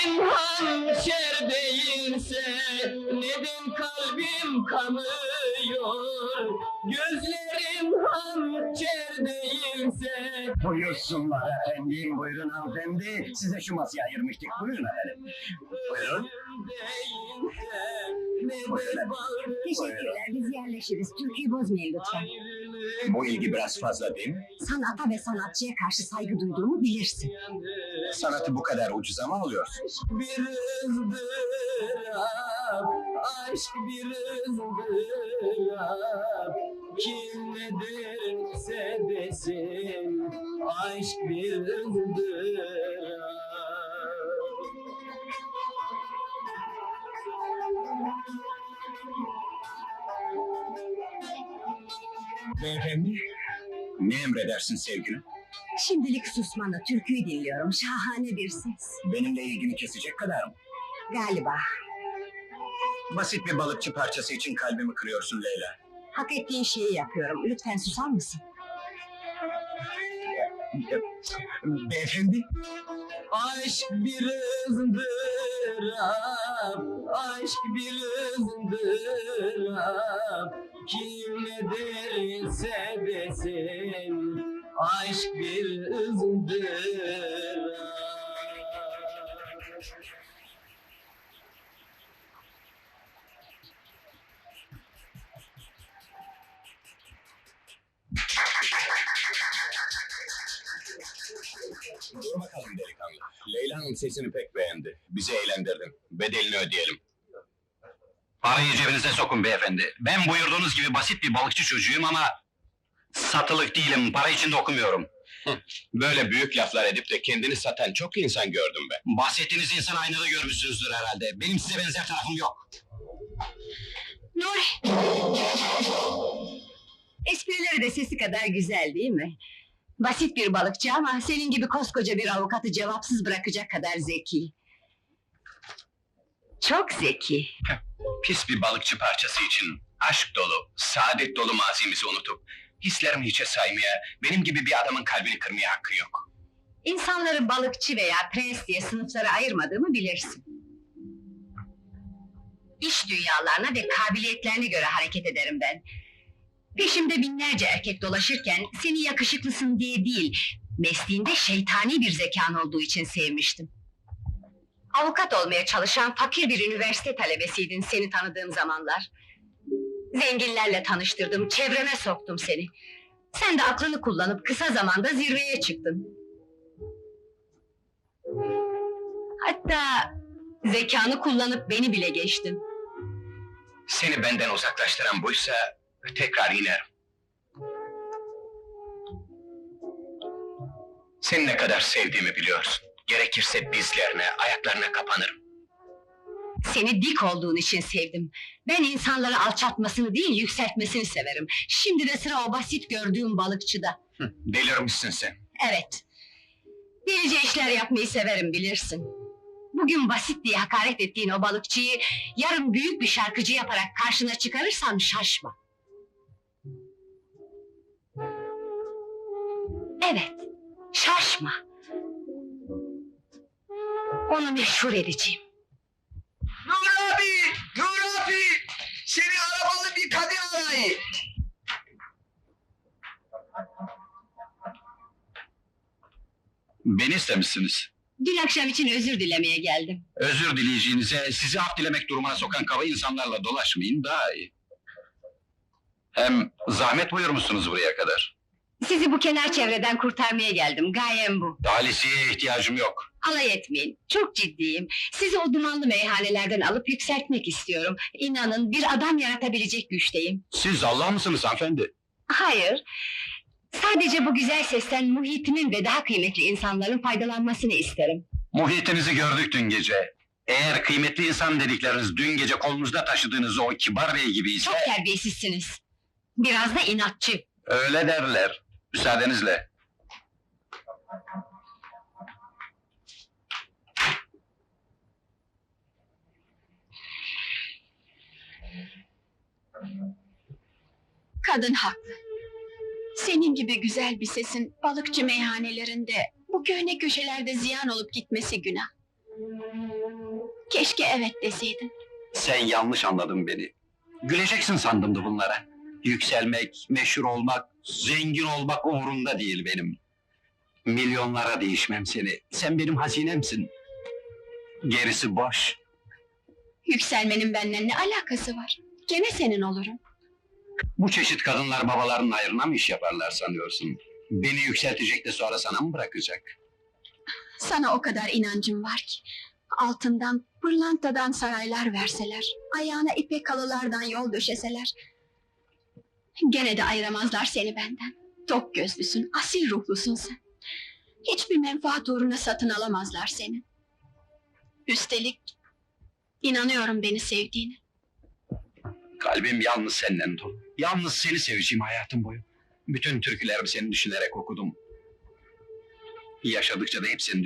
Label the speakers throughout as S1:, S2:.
S1: hançer değilse neden kalbim kanıyor? Gözlerim hançer değilse.
S2: Buyursunlar efendim, buyurun hanımefendi. Size şu masayı ayırmıştık, buyurun efendim. Buyurun.
S3: Teşekkürler, biz yerleşiriz. Türküyü bozmayın lütfen.
S2: Bu ilgi biraz fazla değil mi?
S3: Sanata ve sanatçıya karşı saygı duyduğumu bilirsin.
S2: Sanatı bu kadar ucuza mı alıyorsunuz?
S1: Bir ızdırap, aşk bir ızdırap. Kim ne derse desin, aşk bir ızdırap.
S2: Beyefendi. Ne emredersin sevgilim?
S3: Şimdilik susmanı, türküyü dinliyorum. Şahane bir ses.
S2: Benimle ilgini kesecek kadar mı?
S3: Galiba.
S2: Basit bir balıkçı parçası için kalbimi kırıyorsun Leyla.
S3: Hak ettiğin şeyi yapıyorum. Lütfen susar mısın?
S2: Beyefendi.
S1: Aşk bir ızdırap, aşk bir ızdırap. Kim ne derse desin, aşk bir ızdırap.
S2: Dur bakalım delikanlı. Leyla'nın sesini pek beğendi. Bizi eğlendirdin. Bedelini ödeyelim.
S4: Parayı cebinize sokun beyefendi. Ben buyurduğunuz gibi basit bir balıkçı çocuğuyum ama... ...satılık değilim, para için de okumuyorum.
S2: Böyle büyük laflar edip de kendini satan çok insan gördüm ben.
S4: Bahsettiğiniz insan aynada görmüşsünüzdür herhalde. Benim size benzer tarafım yok.
S3: Nuri! Esprileri de sesi kadar güzel değil mi? Basit bir balıkçı ama senin gibi koskoca bir avukatı cevapsız bırakacak kadar zeki. Çok zeki.
S4: Pis bir balıkçı parçası için aşk dolu, saadet dolu mazimizi unutup... ...hislerimi hiçe saymaya, benim gibi bir adamın kalbini kırmaya hakkı yok.
S3: İnsanları balıkçı veya prens diye sınıflara ayırmadığımı bilirsin. İş dünyalarına ve kabiliyetlerine göre hareket ederim ben. Peşimde binlerce erkek dolaşırken seni yakışıklısın diye değil, mesleğinde şeytani bir zekan olduğu için sevmiştim. Avukat olmaya çalışan fakir bir üniversite talebesiydin seni tanıdığım zamanlar. Zenginlerle tanıştırdım, çevreme soktum seni. Sen de aklını kullanıp kısa zamanda zirveye çıktın. Hatta zekanı kullanıp beni bile geçtin.
S4: Seni benden uzaklaştıran buysa... ...tekrar inerim. Seni ne kadar sevdiğimi biliyorsun. Gerekirse dizlerine, ayaklarına kapanırım.
S3: Seni dik olduğun için sevdim. Ben insanları alçaltmasını değil, yükseltmesini severim. Şimdi de sıra o basit gördüğüm balıkçıda.
S4: Delirmişsin sen.
S3: Evet. Delice işler yapmayı severim bilirsin. Bugün basit diye hakaret ettiğin o balıkçıyı... ...yarın büyük bir şarkıcı yaparak karşına çıkarırsam şaşma. Evet, şaşma. Onu meşhur edeceğim.
S1: Nur abi! Nur abi! Seni arabalı bir kadın arayı!
S4: Beni istemişsiniz.
S3: Dün akşam için özür dilemeye geldim.
S4: Özür dileyeceğinize, sizi af dilemek durumuna sokan kaba insanlarla dolaşmayın daha iyi. Hem zahmet buyurmuşsunuz buraya kadar.
S3: Sizi bu kenar çevreden kurtarmaya geldim, gayem bu.
S4: Talisiye ihtiyacım yok.
S3: Alay etmeyin, çok ciddiyim. Sizi o dumanlı meyhanelerden alıp yükseltmek istiyorum. İnanın, bir adam yaratabilecek güçteyim.
S4: Siz Allah mısınız hanımefendi?
S3: Hayır, sadece bu güzel sesten muhitimin ve daha kıymetli insanların faydalanmasını isterim.
S4: Muhitinizi gördük dün gece. Eğer kıymetli insan dedikleriniz dün gece kolunuzda taşıdığınız o kibar bey gibi ise...
S3: Çok terbiyesizsiniz. Biraz da inatçı.
S4: Öyle derler. Müsaadenizle.
S5: Kadın haklı. Senin gibi güzel bir sesin balıkçı meyhanelerinde, bu köhne köşelerde ziyan olup gitmesi günah. Keşke evet deseydin.
S4: Sen yanlış anladın beni. Güleceksin sandım da bunlara. Yükselmek, meşhur olmak, zengin olmak umurumda değil benim. Milyonlara değişmem seni. Sen benim hazinemsin. Gerisi boş.
S5: Yükselmenin benimle ne alakası var? Gene senin olurum.
S4: Bu çeşit kadınlar babalarının ayrına mı iş yaparlar sanıyorsun? Beni yükseltecek de sonra sana mı bırakacak?
S5: Sana o kadar inancım var ki. Altından, pırlantadan saraylar verseler, ayağına ipek halılardan yol döşeseler, gene de ayıramazlar seni benden. Tok gözlüsün, asil ruhlusun sen. Hiçbir menfaat uğruna satın alamazlar seni. Üstelik, inanıyorum beni sevdiğine.
S4: Kalbim yalnız senden dolu. Yalnız seni seveceğim hayatım boyu. Bütün türkülerimi seni düşünerek okudum. Yaşadıkça da hep seni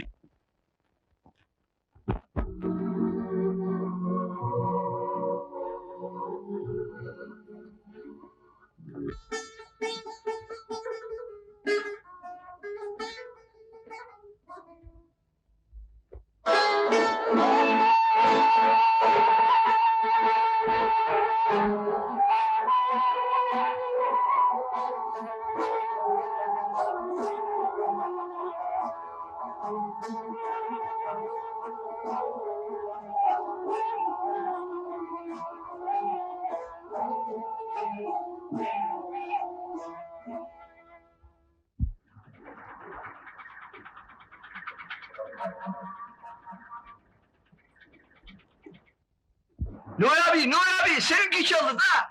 S1: Nur abi, seninki çaldı da!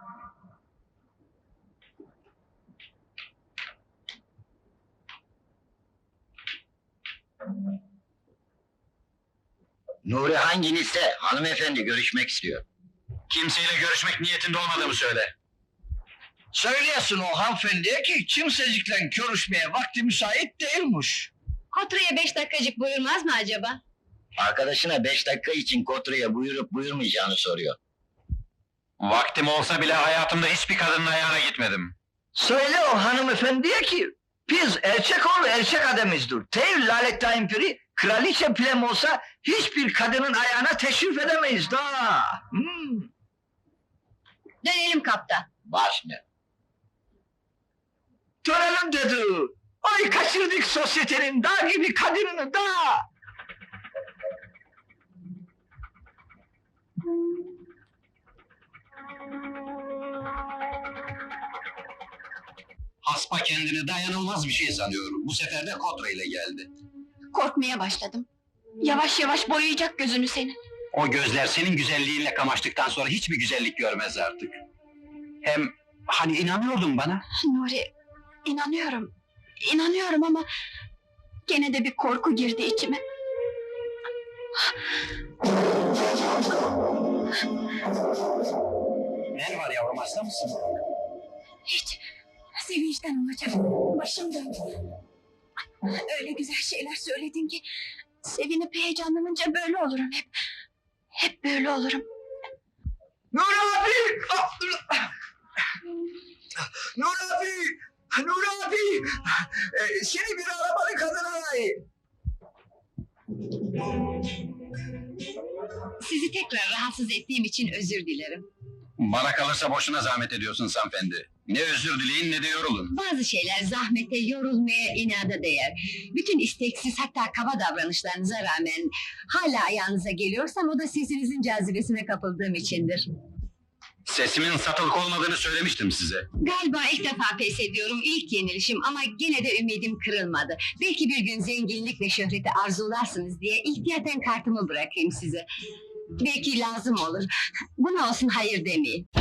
S2: Nuri hanginizse hanımefendi görüşmek istiyor.
S4: kimseyle görüşmek niyetinde olmadığımı söyle.
S1: Söyleyesin o hanımefendiye ki kimsecikle görüşmeye vakti müsait değilmiş.
S3: Kotra'ya 5 dakikacık buyurmaz mı acaba?
S2: Arkadaşına 5 dakika için Kotra'ya buyurup buyurmayacağını soruyor.
S4: Vaktim olsa bile hayatımda hiçbir kadının ayağına gitmedim.
S1: Söyle o hanımefendiye ki biz erkek oğlu erkek adamızdır. Tev lalet impiri kraliçe plem olsa hiçbir kadının ayağına teşrif edemeyiz da.
S3: Dönelim kaptan.
S2: Baş ne?
S1: Dönelim dedi. Ay kaçırdık sosyetenin dağ gibi kadınını da.
S4: Haspa kendini dayanılmaz bir şey sanıyor. Bu sefer de Kotra ile geldi.
S5: Korkmaya başladım. Yavaş yavaş boyayacak gözünü senin.
S4: O gözler senin güzelliğinle kamaştıktan sonra hiçbir güzellik görmez artık. Hem hani inanıyordun bana?
S5: Nuri, inanıyorum. İnanıyorum ama gene de bir korku girdi içime.
S4: Ne var yavrum, hasta mısın?
S5: Hiç. Sevinçten olacak. Başım döndü. Öyle güzel şeyler söyledin ki sevinip heyecanlanınca böyle olurum hep. Hep böyle olurum.
S1: Nur abi! Nur abi! Nur abi! Seni bir arabalı kadın arayayım.
S3: Sizi tekrar rahatsız ettiğim için özür dilerim.
S4: Bana kalırsa boşuna zahmet ediyorsun hanımefendi. Ne özür dileyin ne de yorulun.
S3: Bazı şeyler zahmete, yorulmaya, inada değer. Bütün isteksiz hatta kaba davranışlarınıza rağmen hala ayağınıza geliyorsam o da sesinizin cazibesine kapıldığım içindir.
S4: Sesimin satılık olmadığını söylemiştim size.
S3: Galiba ilk defa pes ediyorum, ilk yenilişim ama gene de ümidim kırılmadı. Belki bir gün zenginlik ve şöhreti arzularsınız diye ihtiyaten kartımı bırakayım size. Belki lazım olur. Buna olsun hayır demeyin.